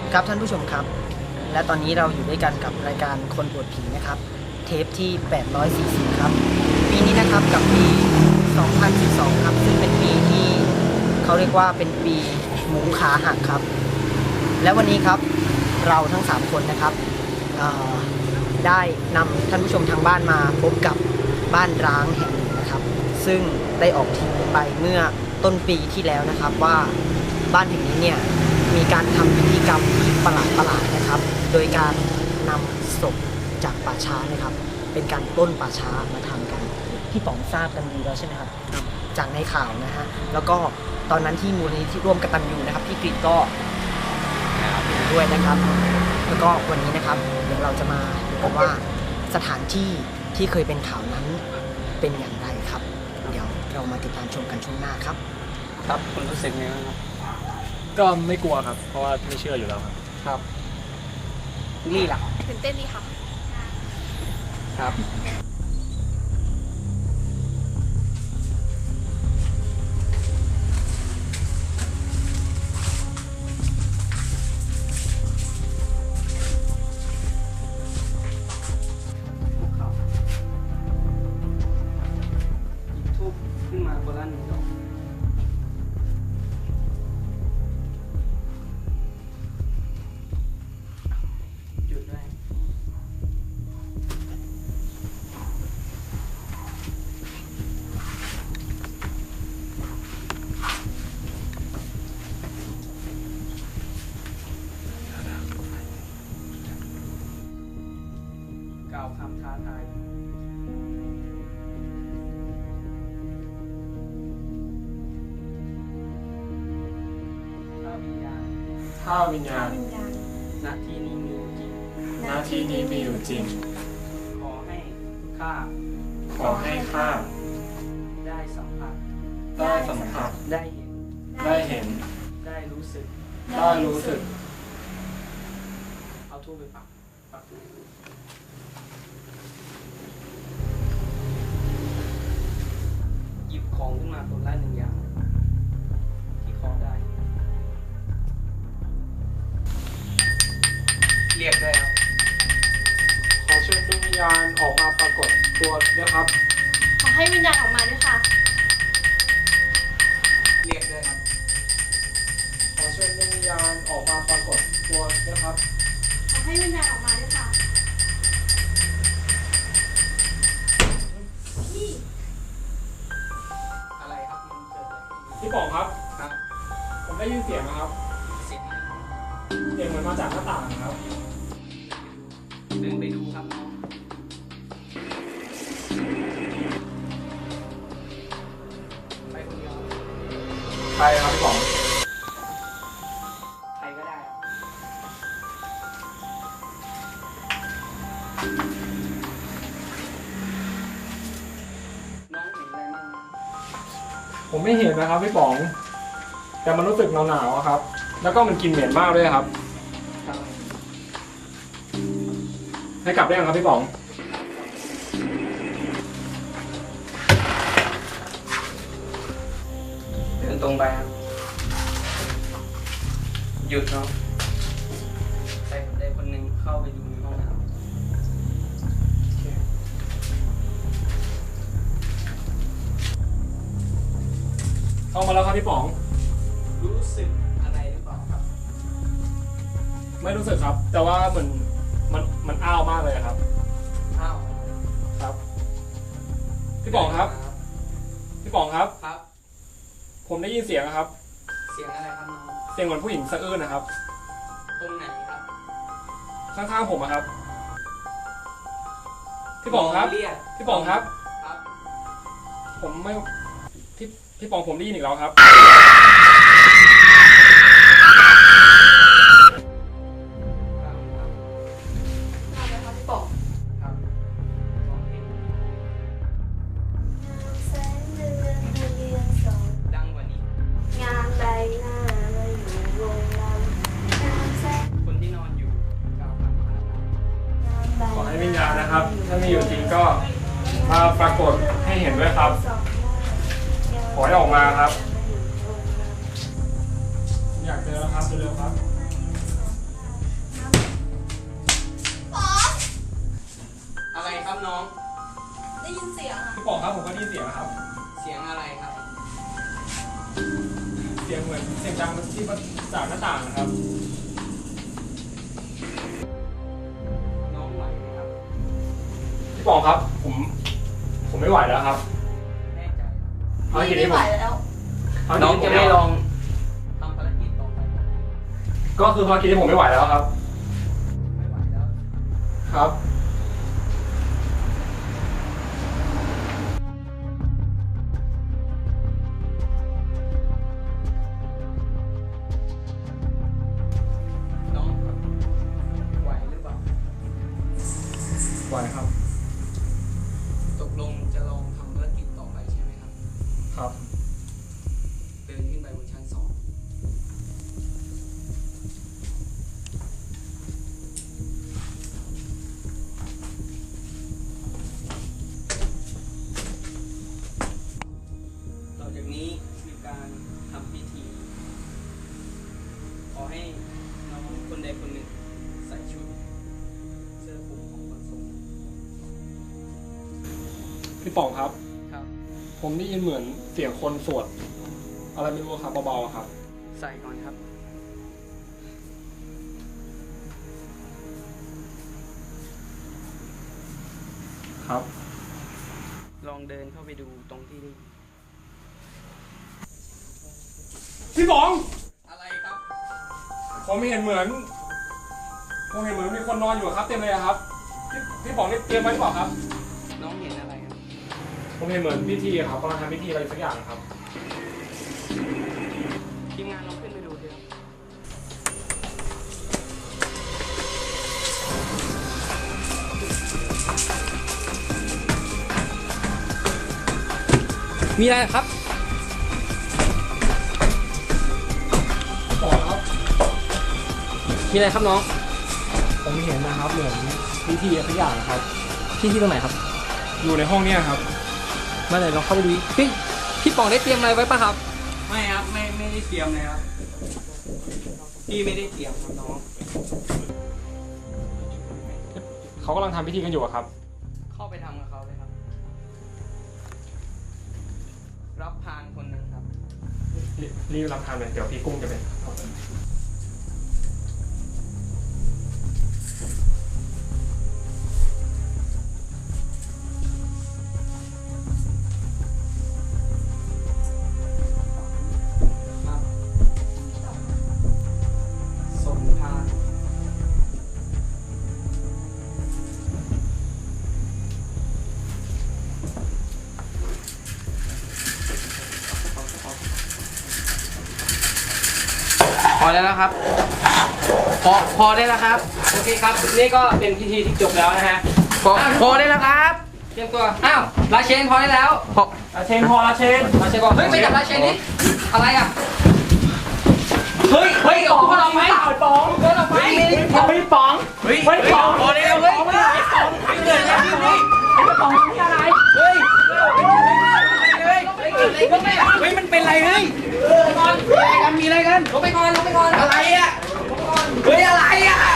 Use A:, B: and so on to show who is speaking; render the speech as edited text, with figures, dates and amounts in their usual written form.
A: ครับท่านผู้ชมครับและตอนนี้เราอยู่ด้วยกันกับรายการคนปวดผีนะครับเทปที่840ครับปีนี้นะครับกับปี2012ครับซึ่งเป็นปีที่เขาเรียกว่าเป็นปีหมูขาหักครับและวันนี้ครับเราทั้ง3คนนะครับได้นำท่านผู้ชมทางบ้านมาพบกับบ้านร้างแห่งหนึ่งนะครับซึ่งได้ออกทีวีไปเมื่อต้นปีที่แล้วนะครับว่าบ้านแห่งนี้เนี่ยมีการทำพิธีกรรมที่ประหลาดนะครับ โดยการนำศพจากป่าช้านะครับเป็นการปล้นป่าช้ามาทำกันพี่ป๋องทราบกันดีแล้วใช่ไหมครับจากในข่าวนะฮะแล้วก็ตอนนั้นที่มูลนิธิร่วมกตัญญูนะครับพี่กฤษก็อยู่ด้วยนะครับแล้วก็วันนี้นะครับเดี๋ยวเราจะมาดูกันว่าสถานที่ที่เคยเป็นข่าวนั้นเป็นอย่างไรครับเดี๋ยวเรามาติดตามชมกันช่วงหน้าครับ
B: ครับคุณรู้สึกไงบ้างครับ
C: ก็ไม่กลัวครับเพราะว่าไม่เชื่ออยู่แล้วครับ
B: ครับนี่ล่ะ
D: ตื่นเต้นดีค่ะ
B: ครับทูบขึ้นมาโบราณดอกหยุดได้กล่าวคำท้าทายถ้าวิญญาณณที่นี้มีอยู่จริง
C: หน้าที่นี้มีอยู่จริง
B: ขอให้ข้าได้สัมผัส
C: ได้สัมผัส
B: ได้เห็น
C: ได้เห็น
B: ได้รู้สึกเอาทูบไปปักหยิบของขึ้นมาคนละ1 อย่างที่ขอได้เรียกได้ครับ
C: ขอเชิญดวงวิญญาณออกมาปรากฏตัวด้วยครับ
D: ขอให้วิญญาณออกมาด้วยค่ะ
B: เรียกได้ครับ
C: ขอเชิญดวงวิญญาณออกมาปรากฏตัวด้วยครับ
D: ขอให้วิญญาณออกมาด้วยค่ะพี่
B: อะไรครับมันเกิดอะไรขึ้น
C: พี่ป๋องครับ
B: ครับ
C: ผมได้ยินเสียงนะครับ
B: เสียงอะไร
C: เสียงเหมือนมาจากหน้าต่างนะครับ
B: เดินไปดูครับน้องไปคนเดียว
C: ไปครับพี่ป๋อง
B: ใครก็ได้ครับน้องเห็นอะไรบ้าง
C: ผมไม่เห็นนะครับพี่ป๋องแต่มันรู้สึกหนาวๆครับ แล้วก็มันกลิ่นเหม็นมากด้วยครับให้กลับได้ยังครับพี่ป๋อง
B: เดินตรงไปครับหยุดเนาะใครคนใดคนหนึ่งเข้าไปดูในห้องน้ำ
C: เข้ามาแล้วครับพี่ป๋อง
B: รู้สึกอะไรหรือเปล่าครับ
C: ไม่รู้สึกครับแต่ว่ามันอ้าวมากเลยครับ
B: อ้าว
C: ครับพี่ป๋องครับพี่ป๋องครับ
B: ครับ
C: ผมได้ยินเสียงนะครับ
B: เสียงอะไรครับน้อง
C: เสียงเหมือนผู้หญิงสะอื้นนะครับ
B: ตรงไหนครับ
C: ข้างๆผมครับพี่ป๋องครับพี่ป๋องครับ
B: ครับ
C: ผมไม่พี่ป๋องผมได้ยินอีกแล้วครับขอให้วิญญาณนะครับถ้ามีอยู่จริงก็มาปรากฏให้เห็นด้วยครับขอให้ออกมาครับอยากเจอแล้วครับเร็วๆครับ
D: ได้ยินเสียงค่ะ
C: พี่ป๋องครับผมก็ได้ยินเสียงครับ
B: เสียงอะไรครับ
C: เสียงเหมือนเสียงดังที่มาจากหน้าต่างนะครับ
B: น้องไหวไหมครับ
C: พี่ป๋องครับผมไม่ไหวแล้วครับ
B: แน่ใจครับ
C: ภารกิจ
D: ไม่
C: นี้
D: ไห
C: ผ
D: ว
C: ม
D: แล้ว
C: ภารกิจ
B: น้อง
C: นี้ผ
B: จะ
C: ม
B: ไม่ลองทำภารกิจต่อไปครับ
C: ก็คือภารกิจที่ผมไม่ไหวแล้วครับ
B: ไม่ไหวแล้ว
C: ครับ
B: น้องครับไหวหรือเปล่า
C: ไหวครับ
B: ตกลงจะลองทำภารกิจต่อไปใช่ไหมครับ
C: ครับ
B: เดินขึ้นไปบนชั้น 2ต่อจากนี้คือการทำพิธี ขอให้น้องคนใดคนหนึ่งใส่ชุดเสื้อคลุมของคนทรง
C: พี่ป๋องครับ
B: ครับ
C: ผมได้ยินเหมือนเสียงคนสวดอะไรไม่รู้ครับเบาๆครับ
B: ใส่ก่อนครับ
C: ครับ
B: ลองเดินเข้าไปดูตรงที่ได้
C: พี่ป๋อง
B: อะไรครับ
C: ผมเห็นเหมือนมีคนนอนอยู่ครับเต็มเลยอะครับ พี่ป๋องนี่เตรียมไว้หรือเปล่าครับ
B: น้องเห็นอะไรครับ
C: ผมเห็นเหมือนพิธีครับกำลังทำพิธีอะไรสักอย่างครับ
B: ทีมงานลองขึ้นไปดูด้วย มีอะไรครับ
C: ป๋องครับ
B: มีอะไรครับน้อง
C: ผมเห็นนะครับเหมือนพิธีอะไรสักอย่างครับ
B: ที่ตรงไหนครับ
C: อยู่ในห้องเนี้ยครับ
B: มาไหนลองเข้าไปดูพี่ป๋องได้เตรียมอะไรไว้ป่ะครับ ไม่ครับ ไม่ได้เตรียมเลยครับ พี่ไม่ได้เตรียมครับน้อง
C: เขากำลังทำพิธีกันอยู่อะครับ
B: เข้าไปทำกับเขาเลยครับ รับพานคนหนึ่งครับ
C: รีบรับทานเลยเดี๋ยวพี่กุ้งจะเป็น
B: ครับส่งทานพอได้แล้วครับ พอได้แล้วครับ โอเคครับ นี่ก็เป็นพิธีที่จบแล้วนะฮะ พอได้แล้วครับ เตรียมตัว อ้าวลาเชนพอได้แล้ว
C: อาเชนพออาเชน
B: ลาเชนบอกเฮ้ยไปจับลาเชนนี่อะไรอ่ะ เฮ้ยออกมาลองไหมป๋องเดินออกไปป๋องพอได้แล้วเฮ้ยไม่เกิดอะไรขึ้นนี่ป๋องทำอะไรเฮ้ยมันเป็นอะไรเฮ้ยมีอะไรกันลงไปก่อนอะไรอ่ะเฮ้ยอะไรอ่ะ